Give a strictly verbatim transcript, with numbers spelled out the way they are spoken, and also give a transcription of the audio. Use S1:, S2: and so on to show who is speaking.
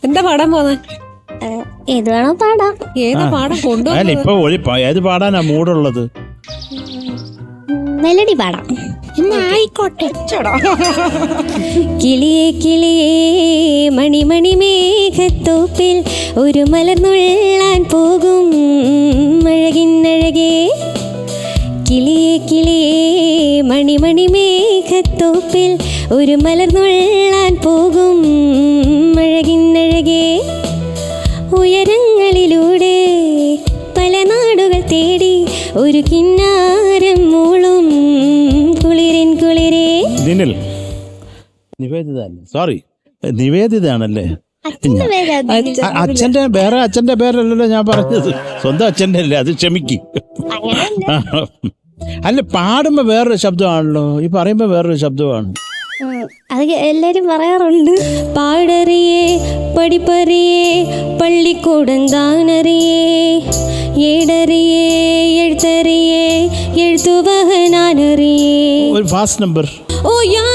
S1: എന്താ പാടാൻ പോന്നെ?
S2: ഏത് വേണോ പാടാം.
S1: ഏതാ പാടാൻ കൊണ്ടുപോകുന്നത്?
S3: ഇപ്പൊ ഒളി ഏത് പാടാനാ മൂടുള്ളത്?
S2: മെലഡി പാടാം.
S1: ആയിക്കോട്ടെ.
S2: കിളിയേ കിളിയേ മണിമണി മേഘത്തോപ്പിൽ ഒരു മലർന്നുള്ളാൻ പോകും അഴകിന്നഴകേ. കിളിയേ കിളിയേ മണിമണി മേഘത്തോപ്പിൽ ഒരു മലർന്നുള്ളാൻ പോകും അഴകിന്നഴകേ. ഉയരങ്ങളിലൂടെ പല നാടുകൾ തേടി ഒരു കിന്നാരം മൂളും കുളിരിൻ കുളിരേ.
S3: ദിനിൽ നിവേദിത സോറി നിവേദിതാണല്ലേ? അച്ഛന്റെ വേറെ അച്ഛന്റെ പേരല്ലല്ലോ ഞാൻ പറഞ്ഞത്, സ്വന്തം അച്ഛന്റെ അല്ലേ, അത് ക്ഷമിക്ക്. അല്ല പാടുമ്പോ വേറൊരു ശബ്ദമാണല്ലോ, ഈ പറയുമ്പോ വേറൊരു ശബ്ദമാണ്.
S2: അത് എല്ലാരും പറയാറുണ്ട്. പാടറിയേ പഠിപ്പറിയേ പള്ളിക്കൂടന്താനറിയേ ഏടറിയേ എഴുത്തറിയേ എഴുത്തുവഹനാനറിയേ.
S3: ഒരു ഫാസ്റ്റ് നമ്പർ.
S2: ഓ യാ